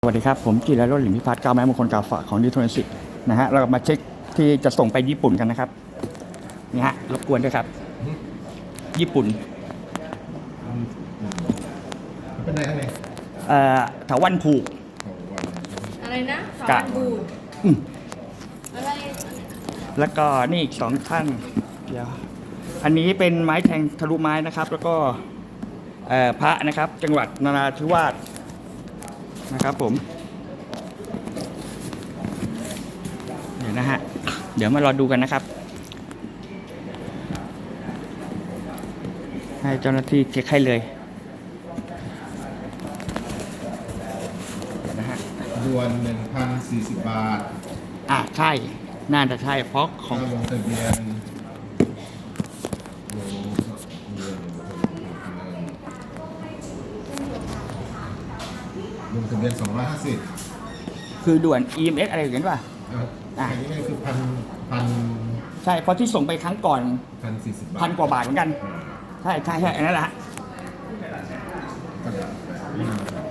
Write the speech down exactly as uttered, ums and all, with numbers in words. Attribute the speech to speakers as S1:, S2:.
S1: สวัสดีครับผมจิรโรจน์ หลิมพิพัฒน์ก้าวไม้มงคลกาฝากของดิทรอนสิกนะฮะเรามาเช็คที่จะส่งไปญี่ปุ่นกันนะครับนี่ฮะรบกวนด้วยครับญี่ปุ่น
S2: เป็นอะไรอะไร
S1: เอ่อถาวันผูก
S3: อะไรนะสอนบูด
S1: อืม
S3: อะไร
S1: แล้วก็นี่อีกสองท่านเดี๋ยวอันนี้เป็นไม้แทงทะลุไม้นะครับ แล้วก็เอ่อพระนะครับจังหวัดนราธิวาสนะครับผมเดี๋ยวนะฮะเดี๋ยวมารอดูกันนะครับให้เจ้าหน้าที่เช็คให้เลยเดี๋ยวนะฮะ
S2: ด่วนหนึ่งพันสี่สิบบาท
S1: อ่ะใช่น่าจะใช่เพราะของ
S2: ลงทะเบียนลงทะเบียนสองร้อยห้าสิบ
S1: คือด่วน อี เอ็ม เอส อะไรอย่างเงี้ยป่ะ
S2: อ่ะอันนี้ก็คือพันพัน
S1: ใช่เพราะที่ส่งไปครั้งก่อน
S2: พันสี่สิบบาท
S1: พันกว่าบาทเหมือนกันใช่ใช่ใช่อันนั้นแหละ